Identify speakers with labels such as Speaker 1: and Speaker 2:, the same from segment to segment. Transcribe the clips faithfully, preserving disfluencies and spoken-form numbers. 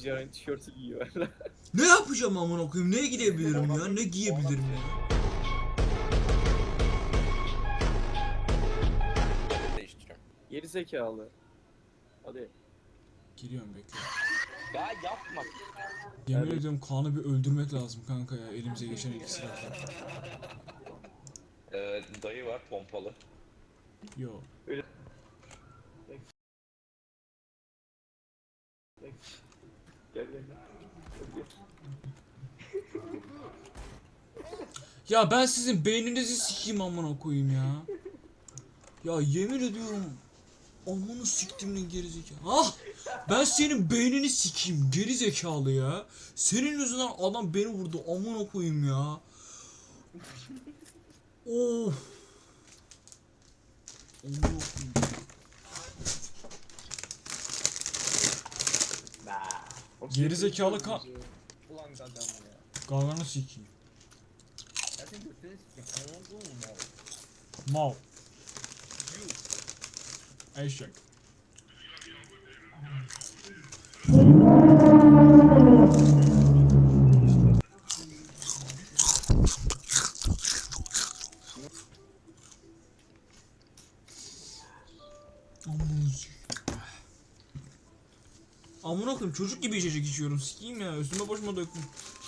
Speaker 1: Cihan'ın tişörtü giyiyor.
Speaker 2: Ne yapacağım amına koyayım? Neye gidebilirim ya? Ne giyebilirim ya?
Speaker 3: Değiştireceğim.
Speaker 1: Geri zekalı. Hadi.
Speaker 2: Giriyorum bekle.
Speaker 3: Ya yapma.
Speaker 2: Yemin
Speaker 1: Evet.
Speaker 2: ediyorum Kaan'ı bir öldürmek lazım kanka ya. Elimize geçen ilk silahla.
Speaker 3: Ee, dayı var pompalı.
Speaker 2: Yo.
Speaker 1: Gel gel gel.
Speaker 2: Ya ben sizin beyninizi sikeyim amına koyayım ya. Ya yemin ediyorum amını siktimin gerizekalı. Ah! Ben senin beynini sikeyim gerizekalı ya. Senin yüzünden adam beni vurdu amına koyayım ya. Of. Amına koyayım. Gerizekalı ka...
Speaker 4: Ulan adam ya.
Speaker 2: Gaganı sikeyim.
Speaker 4: Ya sen götünü sikeyim. Anladın mı mal?
Speaker 2: Mal. Eşek. Amına koyayım çocuk gibi içecek içiyorum sikeyim ya üstüme başıma döktüm.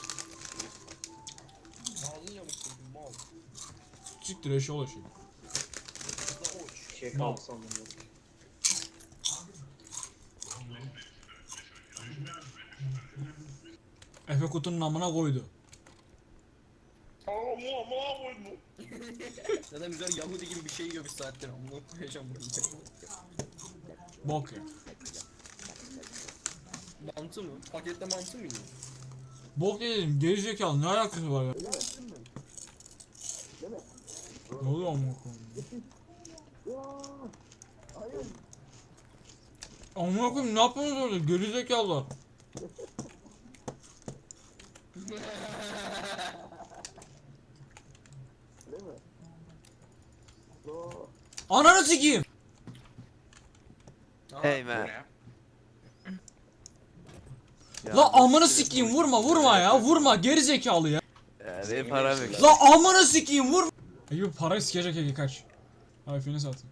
Speaker 4: Malın yamuksun mal.
Speaker 2: Siktir eşyalı eşek.
Speaker 4: Da uç.
Speaker 1: Şey
Speaker 2: Mal.
Speaker 1: kaldı sandım yok.
Speaker 2: Efe kutunun amına koydu.
Speaker 3: Aa mu mu mu.
Speaker 4: Zaten güzel Yahudi gibi bir şey yiyor bir saattir. Amına koyacağım bunu.
Speaker 2: Bok ya.
Speaker 4: Mantı mı? Pakette mantı mı yiyor?
Speaker 2: Bok dedim gerizekalı ne alakası var ya? Ne oluyor amına koyayım? Amına koyayım ne yapıyorsunuz orada gerizekalılar? Ananı sikeyim.
Speaker 5: Hey
Speaker 3: Bu
Speaker 5: man.
Speaker 3: ne?
Speaker 2: La amını sikeyim vurma vurma ya vurma gerizekalı ya.
Speaker 5: Ya benim param yok.
Speaker 2: La amını sikeyim vurma. Ege parayı sikecek Ege kaç. Ay fini satayım.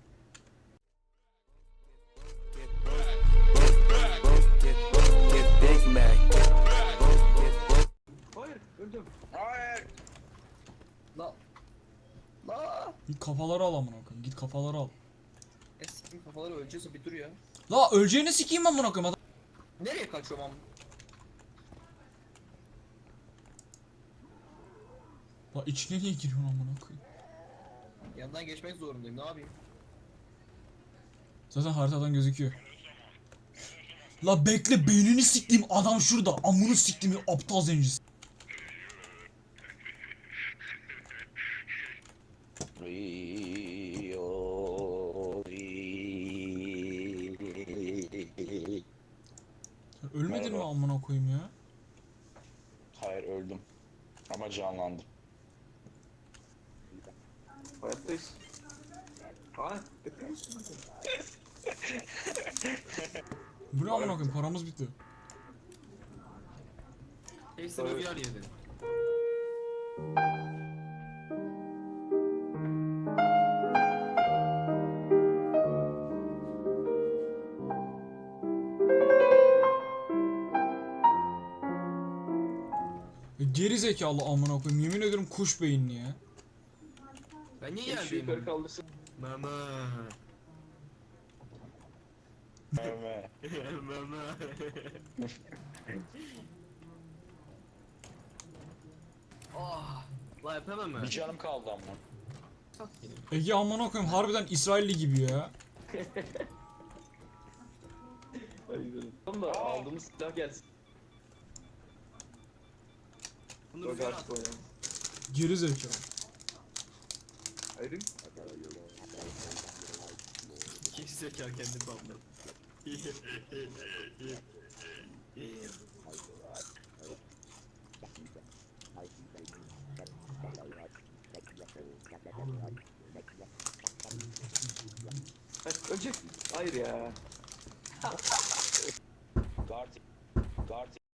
Speaker 1: Hayır öldüm.
Speaker 3: Hayır.
Speaker 4: La. La.
Speaker 2: Git kafaları al amına koyayım git kafaları al.
Speaker 4: Eski kafaları öleceğiz bir dur ya.
Speaker 2: La öleceğini sikeyim amına koyayım adam.
Speaker 4: Nereye kaçıyorum am?
Speaker 2: La içine niye giriyorsun amına koyayım?
Speaker 4: Yandan geçmek zorundayım. Ne yapayım?
Speaker 2: Zaten haritadan gözüküyor. La bekle beynini siktiğim adam şurada. Amını siktiğim aptal zencisi. Sen ölmedin mi
Speaker 3: Merhaba.
Speaker 2: amına koyayım ya?
Speaker 3: Hayır öldüm. Ama canlandım.
Speaker 1: Hayattayız. Aa.
Speaker 2: Bu ne amına koyayım paramız bitti.
Speaker 4: Hepsi
Speaker 1: Evet.
Speaker 4: bir yer yedi.
Speaker 2: E, Geri zekalı amına koyayım yemin ediyorum kuş beyinli ya.
Speaker 4: Ben niye
Speaker 1: Şu
Speaker 4: yerdeyim?
Speaker 1: yukarı kaldırsın.
Speaker 4: Mama.
Speaker 3: Evet.
Speaker 4: Mama. Ah, la yapamam ben.
Speaker 3: Bir canım kaldı ama.
Speaker 2: Ege amına koyayım harbiden İsrailli gibi ya.
Speaker 1: Hadi gidelim. Tamam da aldığımız silah gelsin.
Speaker 4: Bunu
Speaker 1: Dur
Speaker 4: rüzgar
Speaker 1: artık
Speaker 4: at.
Speaker 1: oynayalım.
Speaker 2: Geri zekalı.
Speaker 1: Ayrım.
Speaker 4: İki zeka kendi bandı.
Speaker 1: Hayır, ölecek. Hayır ya.
Speaker 3: Guard Dart